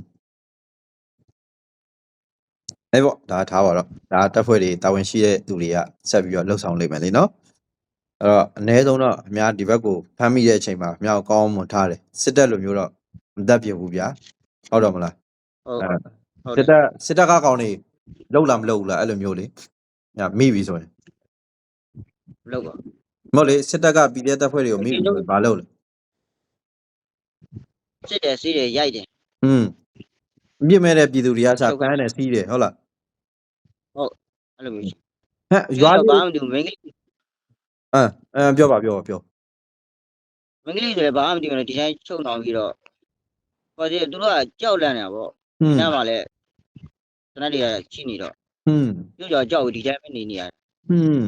S1: အဲ့ပေါ့ဒါထားပါတော့ဒါတက်ဖွဲ့တွေတာဝန်ရှိတဲ့သူတွေကဆက်ပြီးတော့လှုပ်ဆောင်လိမ့်မယ်လေနော်အဲ့တော့အ ਨੇ ဆုံးတော့အများဒီဘက်ကိုဖမ်းမိတဲ့အချိန်မှာအများကောင်းအောင်မွန်ထားတယ်စစ်တပ်လိုမျိုးတော့မတတ်ပြဘူးဗျာဟုတ်တော့မလား
S2: ဟုတ်
S1: အဲ့
S2: ဟုတ်
S1: စစ်တပ်စစ်တပ်ကကောင်တွေလှုပ်လာမလှုပ်ဘူးလားအဲ့လိုမျိုးလေညမိပြီဆိုရင်
S2: လောက်ပါ
S1: မဟုတ်လေစစ်တပ်က P D F တပ်ဖွဲ့တွေကိုမိပြီဆိုရင်ဘာလုပ်လဲ
S2: စစ်တယ်စီးတယ်ရိုက်တယ်
S1: อืมမြင့်မဲ့တဲ့ပြည်သူတွေကစားဖမ်းတယ်စီးတယ်ဟုတ်လား
S2: အဲ့လိုမျိုးရှိ
S1: ဟဲ့ရွာ
S2: ဘာ
S1: လေး
S2: မှမတူမင်းကလေး
S1: အမ်အဲပြောပါပြောပါပြော
S2: မင်းကလေးတွေဘာမှမတူဘူးဒီတိုင်းချုပ်နှောင်ပြီးတော့ဟောဒီသူတို့ကကြောက်လန့်နေတာပေါ့
S1: อืม
S2: ညမှာလည်းတနက်တွေကရှိနေတော့
S1: อืม
S2: ပြုတ်ကြောက်ကြောက်ဒီတိုင်းပဲနေနေရတယ်
S1: อืม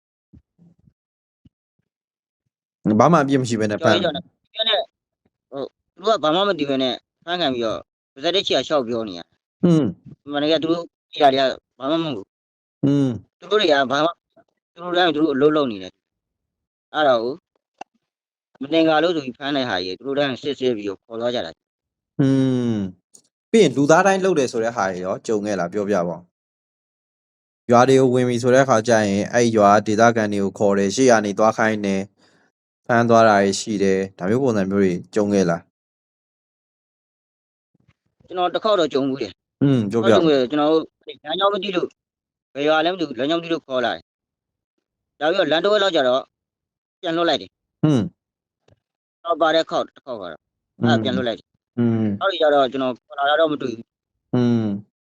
S1: ဘာမှအပြစ်မရှိဘဲနဲ့ဖ
S2: ကြောက်
S1: မ်း
S2: ရတော့ပြောနေဟုတ်သူတို့ကဘာမှမတူဘဲနဲ့ဖမ်းခံပြီးတော့ပါဇက်တစ်ချီကရှောက်ပြောနေရ
S1: อืม
S2: မနေ့ကသူတို့ကြည့်ရတယ်ဘာမှမဟုတ်
S1: อืม
S2: သူတို့တွေကဘာမှသူတို့တိုင်းသူတို့အလုပ်လုပ်နေတယ်အဲ့တော့မတင်ကားလို့ဆိုပြီးဖမ်းတဲ့ဟာကြီးသူတို့တိုင်းစစ်စစ်ပြီးတော့ခေါ်သွားကြတာ
S1: อืมပြီးရင်လူသားတိုင်းလှုပ်တယ်ဆိုတဲ့ဟာတွေရောကြုံခဲ့လားပြောပြပါဦးရွာတွေကိုဝင်ပြီဆိုတဲ့အခါကျရင်အဲ့ရွာဒေသခံတွေကိုခေါ်တယ်ရှေ့ကနေသွားခိုင်းတယ်ဖမ်းသွားတာတွေရှိတယ်ဒါမျိုးပုံစံမျိုးတွေကြုံခဲ့လား
S2: ကျွန်တော်တစ်ခေါက်တော့ကြုံဘူးတယ်
S1: อืมပြော
S2: ဟုတ်
S1: ပြ
S2: တယ်ကျွန်တော်တို့လမ်းကြောင်းမသိလို့ဘယ်ရွာလဲမသိဘူးလမ်းကြောင်းမသိလို့ခေါ်လာတယ်ဒါပြီးတော့လမ်းတစ်ဝက်လောက်ကျတော့ပြန်လွှတ်လိုက်တယ်
S1: อืม
S2: တော့ပါတဲ့ခေါက်တစ်ခေါက်ကတော့အဲ့ပြန်လွှတ်လိုက်တယ်
S1: อืม
S2: နောက်ကျတော့ကျွန်တော်ခေါ်လာတော့မတွေ့ဘူး
S1: อืม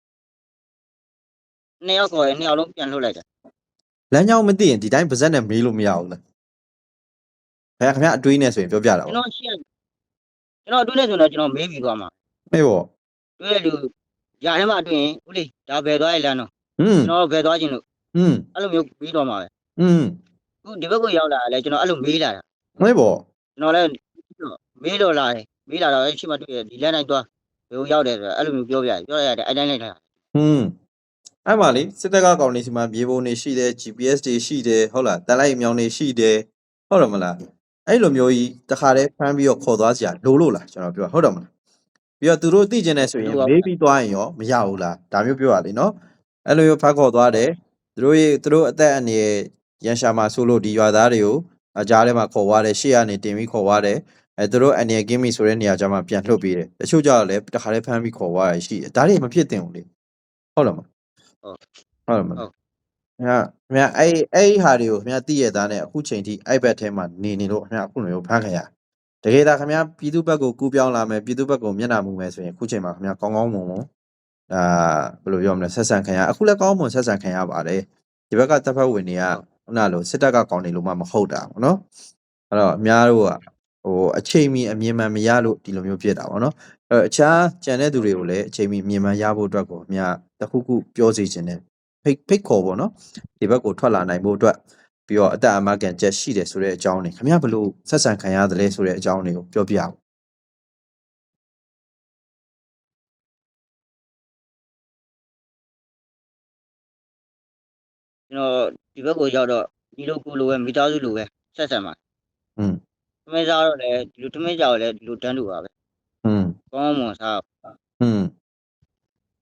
S2: နှစ်ယောက်ခေါ်ရင်နှစ်ယောက်လုံးပြန်လွှတ်လိုက်တယ်
S1: လမ်းကြောင်းမသိရင်ဒီတိုင်းပါဇက်နဲ့မေးလို့မရဘူးလားခင်ဗျာခင်ဗျာအတွေးနဲ့ဆိုရင်ပြောပြတာ
S2: ကျွန်
S1: ပေါ့
S2: တော်ရှင်းကျွန်တော်တွေ့နေဆိုတော့ကျွန်တော်မေးပြီးသွားမှာ
S1: မေးပေါ့
S2: တွေ့တဲ့လူຢာထဲမှာတွေ့ရင်ဦးလေးဒါဘယ်သွားရလမ်းတော့
S1: อืม
S2: ကျွန်တော်ဘယ်သွားခြင်းလို့
S1: อืม
S2: အဲ့လိုမျိုးပြီးတော့မှာပဲ
S1: อืม
S2: ခုဒီဘက်ကိုရောက်လာတယ်ကျွန်တော်အဲ့လိုမေးလာတာ
S1: မေးပေါ့
S2: ကျွန်တော်လည်းမေးတော့လာတယ်မေးလာတော့အဲ့ရှိမှတွေ့တယ်ဒီလမ်းတိုင်းသွားဘယ်ကိုရောက်တယ်ဆိုတော့အဲ့လိုမျိုးပြောပြတယ်ပြောရတယ်အဲ့တိုင်းလိုက်တာ
S1: อืมအဲ့မှာလေစစ်တပ်ကကောင်နေစီမှာမြေပုံတွေရှိတယ် G P S တွေရှိတယ်ဟုတ်လားတန်လိုက်မြောင်တွေရှိတယ်ဟုတ်တယ်မလားအဲ့လိုမျိုးကြီးတခါတည်းဖမ်းပြီးတော့ခေါ်သွားစရာလိုလို့လားကျွန်တော်ပြောဟုတ်တယ်မလားပြီးတော့သူတို့သိကျင်နေဆိုရင်မေးပြီးသွားရင်ရောမရဘူးလားဒါမျိုးပြောရလေနော်အဲ့လိုမျိုးဖမ်းခေါ်သွားတယ်သူတို့ရဲ့သူတို့အသက်အန္တရာယ်ရန်ရှာမှာဆိုလို့ဒီရွာသားတွေကိုအကြားထဲမှာခေါ်သွားတယ်ရှေ့ကနေတင်ပြီးခေါ်သွားတယ်အဲသူတို့အန္တရာယ်ကင်းပြီဆိုတဲ့နေရာကျမှပြန်လှုပ်ပေးတယ်တချို့ကြတော့လည်းတခါတည်းဖမ်းပြီးခေါ်သွားရရှိတယ်ဒါတွေမဖြစ်သင့်ဘူးလေဟုတ်တယ်မလား ဟုတ်တယ်မလားခင်ဗျာခင်ဗျာအဲ့အဲ့ဒီဟာတွေကိုခင်ဗျာသိရသားနဲ့အခုချိန်ထိအဲ့ဘက်ထဲမှာနေနေလို့ခင်ဗျာအခုလိုမျိုးဖမ်းခင်ရတကယ်ဒါခင်ဗျာပြည်သူဘက်ကိုကူးပြောင်းလာမယ်ပြည်သူဘက်ကိုမျက်နှာမူမယ်ဆိုရင်အခုချိန်မှာခင်ဗျာကောင်းကောင်းမွန်မွန်အာဘယ်လိုပြောမလဲဆက်ဆံခင်ရအခုလည်းကောင်းမွန်ဆက်ဆံခင်ရပါတယ်ဒီဘက်ကတပ်ဖက်ဝင်တွေကခုနလိုစစ်တပ်ကကောင်းနေလို့မှမဟုတ်တာပေါ့နော်အဲ့တော့အများတို့ကဟိုအချိန်မီအမြင်မှန်မရလို့ဒီလိုမျိုးဖြစ်တာပေါ့နော်အဲ့တော့အခြားကြံတဲ့သူတွေကိုလည်းအချိန်မီမြင်မှန်ရဖို့အတွက်ကိုအများတခုခုပြောစီခြင်းနဲ့ဖိတ်ဖိတ်ခေါ်ပေါ့နော်ဒီဘက်ကိုထွက်လာနိုင်ဖို့အတွက်ပြီးတော့အတအမကန်ချက်ရှိတယ်ဆိုတဲ့အကြောင်းတွေခင်ဗျားဘလို့ဆက်ဆံခံရတယ်လဲဆိုတဲ့အကြောင်းတွေကိုပြောပြအောင်
S2: ကျွန်တော်ဒီဘက်ကိုရောက်တော့ဒီလိုကိုလိုပဲမိသားစုလိုပဲဆက်ဆံပါ
S1: อืม
S2: သမင်းစားတော့လည်းဒီလိုသမင်းကြောက်လည်းဒီလိုတန်းတူပါပဲ
S1: อืม
S2: ကောင်းမွန်စား
S1: อืม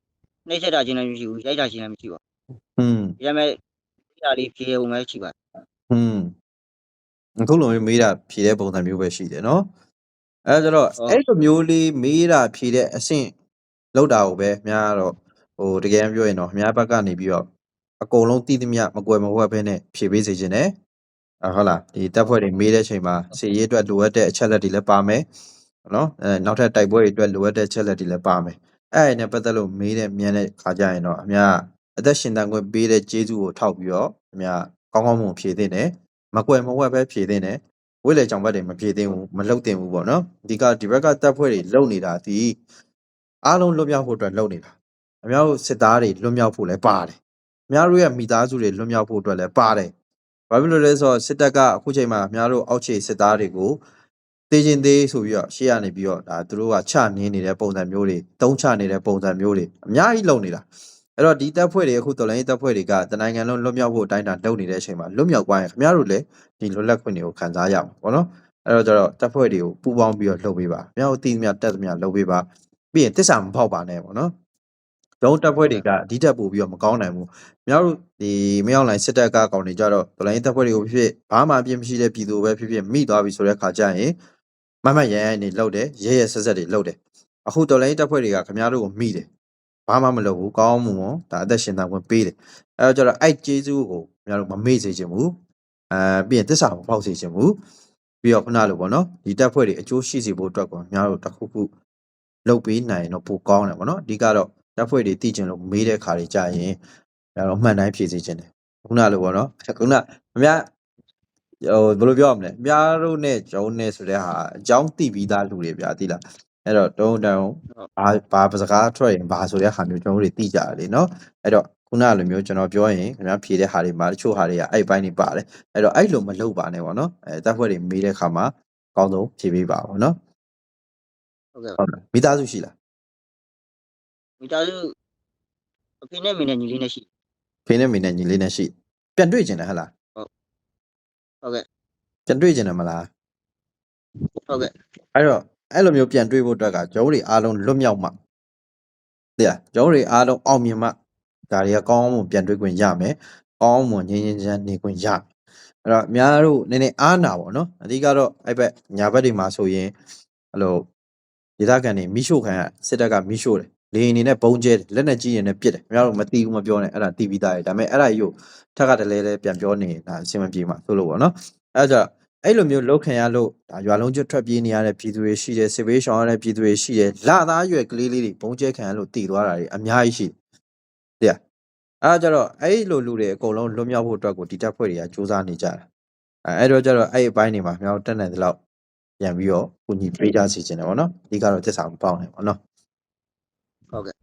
S2: နှိမ့်ဆက်တာချင်းလည်းမရှိဘူးရိုက်တာချင်းလည်းမရှိပါ
S1: อืม
S2: ဘူးဒါပေမဲ့ဒီဟာလေးဖြေုံပဲရှိပါတယ်
S1: อืมအခုလိုမျိုးမေးတာဖြေတဲ့ပုံစံမျိုးပဲရှိတယ်เนาะအဲဒါကြတော့အဲ့လိုမျိုးလေးမေးတာဖြေတဲ့အဆင့်လောက်တာကိုပဲအများကတော့ဟိုတကယ်ပြောရင်တော့အများဘက်ကနေပြီးတော့အကုန်လုံးတည်သမျှမကွယ်မဝှက်ဘဲနဲ့ဖြေပေးစေခြင်းနဲ့အဟုတ်လားဒီတက်ဖွဲ့တွေမေးတဲ့အချိန်မှာစီရေးအတွက်လိုအပ်တဲ့အချက်လက်တွေလည်းပါမယ်နော်အဲနောက်ထပ်တိုက်ပွဲတွေအတွက်လိုအပ်တဲ့အချက်လက်တွေလည်းပါမယ်အဲ့ဒါနဲ့ပတ်သက်လို့မေးတဲ့မြန်တဲ့ခါကြရင်တော့အများအသက်ရှင်တန်ခွင့်ပေးတဲ့ကျေးဇူးကိုထောက်ပြီးတော့အများကောင်းကောင်းမွန်ဖြေသင့်တယ်မကွယ်မဝှက်ပဲဖြေသင့်တယ်ဝိလေကြောင်ဘက်တွေမဖြေသင့်ဘူးမလှုပ်သင့်ဘူးပေါ့နော်ဒီကဒီဘက်ကတက်ဖွဲ့တွေလုံနေတာဒီအားလုံးလွတ်မြောက်ဖို့အတွက်လုံနေတာအများတို့စစ်သားတွေလွတ်မြောက်ဖို့လည်းပါတယ်အများတို့ရဲ့မိသားစုတွေလွတ်မြောက်ဖို့အတွက်လည်းပါတယ်ဘာဖြစ်လို့လဲဆိုတော့စစ်တပ်ကအခုချိန်မှာအများတို့အောက်ခြေစစ်သားတွေကိုတေးချင်းသေးဆိုပြီးတော့ရှေ့ကနေပြီးတော့ဒါသူတို့ကချနင်းနေတဲ့ပုံစံမျိုးတွေတုံးချနေတဲ့ပုံစံမျိုးတွေအများကြီးလုံနေတာအဲ့တော့ဒီတပ်ဖွဲ့တွေအခုတော်လိုင်းတပ်ဖွဲ့တွေကတနိုင်ငံလုံးလွတ်မြောက်ဖို့အတိုင်းအတာလုပ်နေတဲ့အချိန်မှာလွတ်မြောက်သွားရင်ခင်ဗျားတို့လည်းဒီလွတ်လပ်ခွင့်တွေကိုခံစားရမှာပေါ့နော်အဲ့တော့ကျတော့တပ်ဖွဲ့တွေကိုပူးပေါင်းပြီးတော့လှုပ်ပေးပါခင်ဗျားတို့တည်သမျှတက်သမျှလှုပ်ပေးပါပြီးရင်တစ္ဆာမဖောက်ပါနဲ့ပေါ့နော်ကျွန်တော်တပ်ဖွဲ့တွေကအဒီတက်ပို့ပြီးတော့မကောင်းနိုင်ဘူးခင်ဗျားတို့ဒီမရောက်လိုက်စစ်တပ်ကကောင်တွေကြတော့တော်လိုင်းတပ်ဖွဲ့တွေကိုဖြစ်ဘာမှအပြစ်မရှိတဲ့ပြည်သူပဲဖြစ်ဖြစ်မိသွားပြီဆိုတဲ့ခါကျရင်မမရရနေလှုပ်တယ်ရဲရဲဆက်ဆက်တွေလှုပ်တယ်အခုတော်လိုင်းတပ်ဖွဲ့တွေကခင်ဗျားတို့ကိုမိတယ်ဘာမှမလုပ်ဘူးကောင်းမှုမဒါအသက်ရှင်တန်ခွင့်ပေးတယ်အဲတော့ကျတော့အဲ့ကျေးဇူးကိုခင်ဗျားတို့မမေ့စေချင်ဘူးအဲပြီးရင်တစ္ဆာမဖောက်စေချင်ဘူးပြီးတော့ခုနလိုပေါ့နော်ဒီတပ်ဖွဲ့တွေအကျိုးရှိစေဖို့အတွက်ကိုခင်ဗျားတို့တစ်ခုခုလုပ်ပေးနိုင်တော့ပိုကောင်းတယ်ပေါ့နော်အဓိကတော့တပ်ဖွဲ့တွေတည်ကျင်လို့မေးတဲ့ခါတွေကြာရင်ဒါတော့မှန်တိုင်းဖြည့်စေချင်တယ်ခုနလိုပေါ့နော်ခုနအများဟိုဘယ်လိုပြောရမလဲအများတို့နဲ့ဂျုံနဲ့ဆိုတဲ့ဟာအကြောင်းသိပြီးသားလူတွေဗျာသိလားအဲ့တော့တုံးတောင်ဘာဘာစကားထွက်ရင်ဘာဆိုတဲ့ဟာမျိုးကျွန်တော်တို့သိကြတယ်လေနော်အဲ့တော့ခုနလိုမျိုးကျွန်တော်ပြောရင်ခင်ဗျားဖြေတဲ့ဟာတွေမှာတချို့ဟာတွေကအဲ့ဘိုင်းတွေပါတယ်အဲ့တော့အဲ့လိုမလုပ်ပါနဲ့ပေါ့နော်အဲတပ်ဖွဲ့တွေမေးတဲ့ခါမှာအကောင်းဆုံးဖြေပေးပါပေါ့နော်
S2: ဟုတ်ကဲ့
S1: ဟုတ်လားမိသားစုရှိလား
S2: မိသားစုအဖေနဲ့မိနဲ့ညီလေးနဲ့ရှိ
S1: ဖေနဲ့မေနဲ့ညီလေးနဲ့ရှိပြန်တွေ့ကျင်တယ်ဟဟလား
S2: ဟုတ်ကဲ့
S1: ပြန်တွေ့ကျင်တယ်မလား
S2: ဟုတ်ကဲ့
S1: အဲ့တော့အဲ့လိုမျိုးပြန်တွေ့ဖို့အတွက်ကကျွန်တော်တို့အားလုံးလွတ်မြောက်မှသိလားကျွန်တော်တို့အားလုံးအောင်မြင်မှဒါတွေကကောင်းအောင်ပြန်တွေ့ခွင့်ရမယ်ကောင်းအောင်ငြင်းငြင်းချမ်းနေခွင့်ရမယ်အဲ့တော့အများတို့နည်းနည်းအားနာပါတော့အဓိကတော့အဲ့ဘက်ညာဘက်တွေမှာဆိုရင်အဲ့လိုဒေသခံတွေမိရှို့ခံရစစ်တပ်ကမိရှို့တယ်လေရင်နေနဲ့ဘုံကျဲတယ်လက်နဲ့ကြီးရင်နဲ့ပြစ်တယ်အများတို့မတီးဘူးမပြောနဲ့အဲ့ဒါတီးပြီးသားတယ်ဒါပေမဲ့အဲ့ဒါကြီးကိုထက်ကတလဲလဲပြန်ပြောနေတာအဆင်မပြေမှာဆိုလို့ပေါ့နော်အဲ့ဒါကြောင့်အဲ့လိုမျိုးလောက်ခံရလို့ဒါရွာလုံးကျွတ်ထွက်ပြေးနေရတဲ့ပြည်သူတွေရှိတယ်စစ်ဘေးရှောင်ရတဲ့ပြည်သူတွေရှိတယ်လသားရွယ်ကလေးလေးတွေဘုံကျဲခံရလို့တည်သွားတာတွေအများကြီးရှိတယ်အဲ့ဒါကြတော့အဲ့လိုလူတွေအကုန်လုံးလွတ်မြောက်ဖို့အတွက်ကိုဒီတပ်ဖွဲ့တွေကစူးစမ်းနေကြတာအဲ့တော့ကြတော့အဲ့အပိုင်းတွေမှာမြောက်တက်နိုင်တဲ့လောက်ပြန်ပြီးတော့ကိုညီပေးကြစီခြင်းတယ်ဗောနော်အဓိကတော့သစ္စာမပေါက်နဲ့ဗောနော်
S2: ဟုတ်ကဲ့